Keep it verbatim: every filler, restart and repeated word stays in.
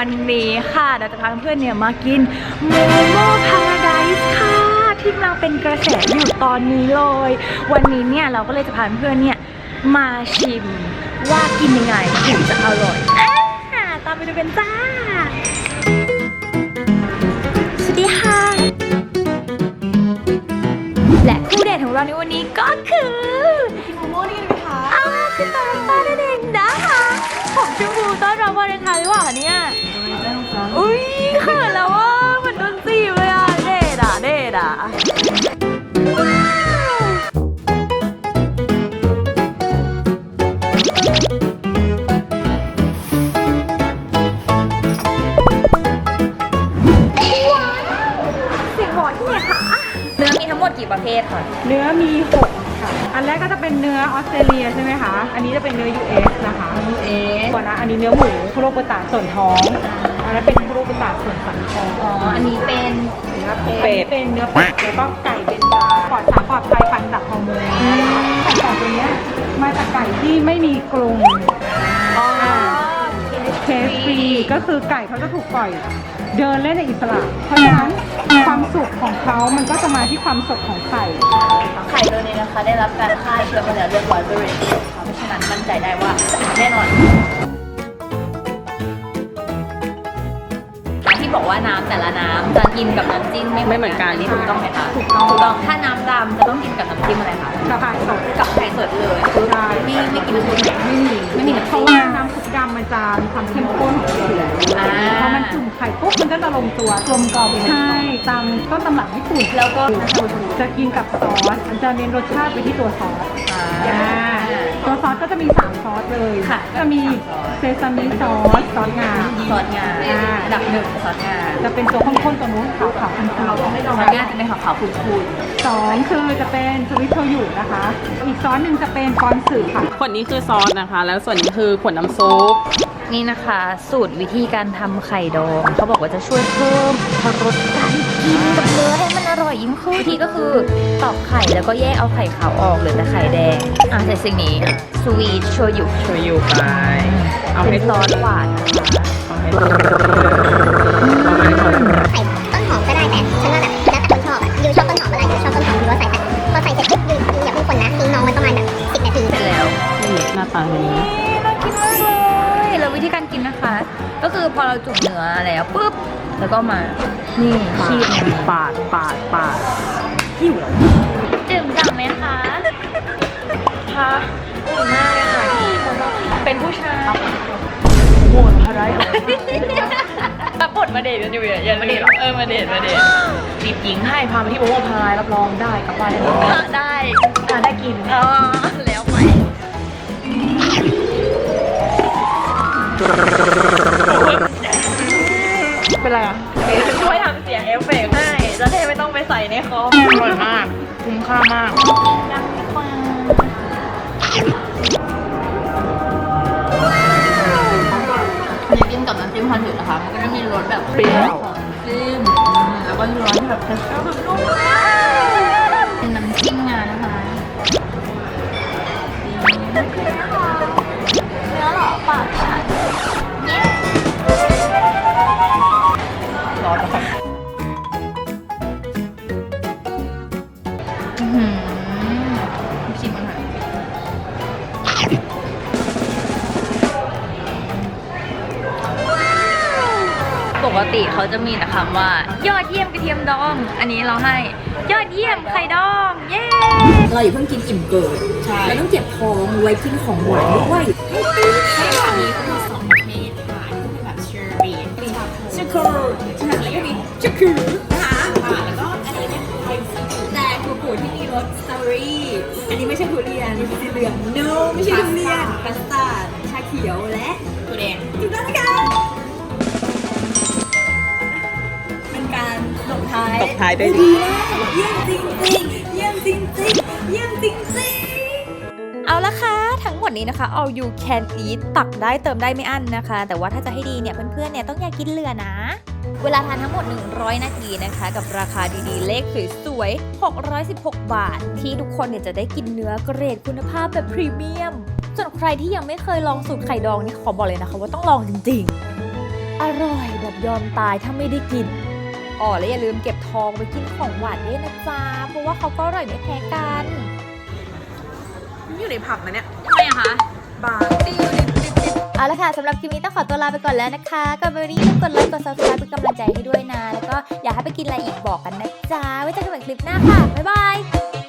วันนี้ค่ะเราจะพาเพื่อนเนี่ยมากินโมโม่พาราไดซ์ค่ะที่กำลังเป็นกระแสอยู่ตอนนี้เลยวันนี้เนี่ยเราก็เลยจะพาเพื่อนเนี่ยมาชิมว่ากินยังไงถึงจะอร่อยอ่าตามไปดูกันจ้าสวัสดีค่ะและคู่เดทของเราในวันนี้ก็คือกินโมโม่นี่กันไหมคะอ้าวคือตาตาเด็กนะคะผมชมพูต้อนรับวาเลนไทน์หรือเปล่าคะเนี่ยอุ้ยเขินแล้วว่ามันโดนจีบเลยอ่ะเดทอ่ะเดทอ่ะเนื้อมีทั้งหมดกี่ประเภทคะเนื้อมีหกค่ะอันแรกก็จะเป็นเนื้อออสเตรเลียใช่ไหมคะอันนี้จะเป็นเนื้อ ยู เอส นะคะ ยู เอส ก่อนนะอันนี้เนื้อหมูคุโรบุตะส่วนท้องอันนั้นเป็นคุโรบุตะส่วนสันคออ๋ออันนี้เป็นเนื้อเป็ดเป็นเนื้อเป็ดแล้วก็ไก่เป็นปลาปลอดสารปลอดภัยปันจากฮอร์โมนไก่สองตัวนี้มาจากไก่ที่ไม่มีกรงอ๋อเคสฟรีก็คือไก่เขาจะถูกปล่อยเดินเล่นในอิสระเพราะฉะนั้นความสุขของเขามันก็จะมาที่ความสดของไข่ไข่ตัวนี้นะคะได้รับการฆ่าเชื้อมาแล้วเรียบร้อยบริเวณค่ะเพราะฉะนั้นมั่นใจได้ว่าแน่นอนที่บอกว่าน้ำแต่ละน้ำจะกินกับน้ำจิ้มไม่เหมือนกันนี่ถูกต้องไหมคะถูกต้องถูกต้องถ้าน้ำดำจะต้องกินกับน้ำจิ้มอะไรคะกับไข่สดกับไข่สดเลยคือไม่ไม่กินน้ำจิ้มไม่มีไม่มีน้ำเพราะว่าน้ำซุปดำมันจะมีความเข้มข้นของมันอยู่แล้วพอมันจุ่มไข่ปุ๊บมันก็จะลงตัวกลมกล่อมใช่ตามต้นตำรับญี่ปุ่นแล้วก็จะกินกับซอสมันจะเน้นรสชาติไปที่ตัวซอสตัวซอสก็จะมีสามซอสเลยจะมีเซซามิซอสซอสงาซอสงาดับหนึ่งซอสงาจะเป็นตัวข้นๆตัวนู้นขาวขาวๆคูนๆซอสงาจะเป็นขาวขาวคูนๆสองคือจะเป็นสวิตโชยุนะคะอีกซอสหนึ่งจะเป็นกอนสึค่ะขวดนี้คือซอสนะคะแล้วส่วนนี้คือขวดน้ำซุปนี่นะคะสูตรวิธีการทำไข่ดองเขาบอกว่าจะช่วยเพิ่มรสการกินกับเนื้อให้มันอร่อยยิ่งขึ้นวิธีก็คือตอกไข่แล้วก็แยกเอาไข่ขาวออกเหลือแต่ไข่แดงอ่ะใส่สิ่งนี้สวีทโชยุโชยุไปเอาให้ซอสหวานเอาให้ต้นหอมก็ได้แต่ฉันว่าแบบแล้วแต่คนชอบอ่ะยูชอบต้นหอมอะไรยูชอบต้นหอมยูก็ใส่แต่พอใส่เสร็จปุ๊บยูยูอย่าเพิ่งคนนะทิ้งน้องไว้ประมาณแบบสิบนาทีเสร็จแล้วหน้าตาแบบนี้น่ากินมากเลยแล้ววิธีการกินนะคะก็คือพอเราจุ่มเนื้อแล้วปุ๊บแล้วก็มานี่คีบปาดปาดปาดหิวแล้วดื่มจังไหมคะคะดื่มมากเลยค่ะเป็นผู้ชายโหดอะไรตับบทมาเดทกันอยู่อย่ามาเดทเออมาเดทมาเดทจีบหญิงให้พาไปที่โมโม่พารายรับรองได้กลับบ้านได้ได้ได้กินอ๋อแล้วไปเป็นไรอ่ะช่วยทำเสียงเอฟเฟกต์ให้จะได้ไม่ต้องไปใส่ในคอมอร่อยมากคุ้มค่ามากดังมากอันนี้กินกับน้ำจิ้มคอนถึงนะคะมันก็จะมีรสแบบเปรี้ยวจิ้มแล้วก็ร้อนแบบเทสเตอร์แบบนุ่มมากเป็นน้ำจิ้มงานะคะเนื้อหล่อปากค่ะร้อนมากอือหือชิมมันค่ะปกติเขาจะมีแต่คำว่ายอดเยี่ยมกระเทียมดองอันนี้เราให้ยอดเยี่ยมไข่ดองเย้เราอย่าเพิ่งกินอิ่มเกินเราต้องเก็บท้องไว้กินของหวานด้วยใช่ค่ะมีก็มีสองประเภทค่ะที่เป็นแบบเชอร์รี่ช็อกโกแลตแล้วก็มีช็อกโกแลตนะคะแล้วก็อันนี้เป็นไทยซีแต่ถั่วปูที่มีรสสตรอเบอรี่อันนี้ไม่ใช่ทุเรียนมันเป็นสีเหลือง no ไม่ใช่ทุเรียนคัสตาร์ดชาเขียวและถั่วแดงถูกต้องนะคะการตบท้ายตบท้ายได้ดีเยี่ยมจริงจริงเยี่ยมจริงจริงเยี่ยมจริงจริงเอาละค่ะทั้งหมดนี้นะคะ all you can eat ตักได้เติมได้ไม่อั้นนะคะแต่ว่าถ้าจะให้ดีเนี่ยเพื่อนๆเนี่ยต้องอย่ากินเหลือนะเวลาทานทั้งหมดหนึ่งร้อยนาทีนะคะกับราคาดีๆเลขสวยๆหกร้อยสิบหกบาทที่ทุกคนเนี่ยจะได้กินเนื้อเกรดคุณภาพแบบพรีเมียมส่วนใครที่ยังไม่เคยลองสูตรไข่ดองนี่ขอบอกเลยนะคะว่าต้องลองจริงๆอร่อยแบบยอมตายถ้าไม่ได้กินอ๋อและอย่าลืมเก็บทองไปกินของหวานด้วยนะจ๊ะเพราะว่าเขาก็อร่อยไม่แพ้กันอยู่ในผับนะเนี่ยทำไมอะคะบาร์เอาละค่ะสำหรับคลิปนี้ต้องขอตัวลาไปก่อนแล้วนะคะก่อนไปวันนี้อย่าลืมกดไลค์กด ซับสไครบ์ เป็นกำลังใจให้ด้วยนะแล้วก็อยากให้ไปกินอะไรอีกบอกกันนะจ๊ะไว้เจอกันใหม่คลิปหน้าค่ะบ๊ายบาย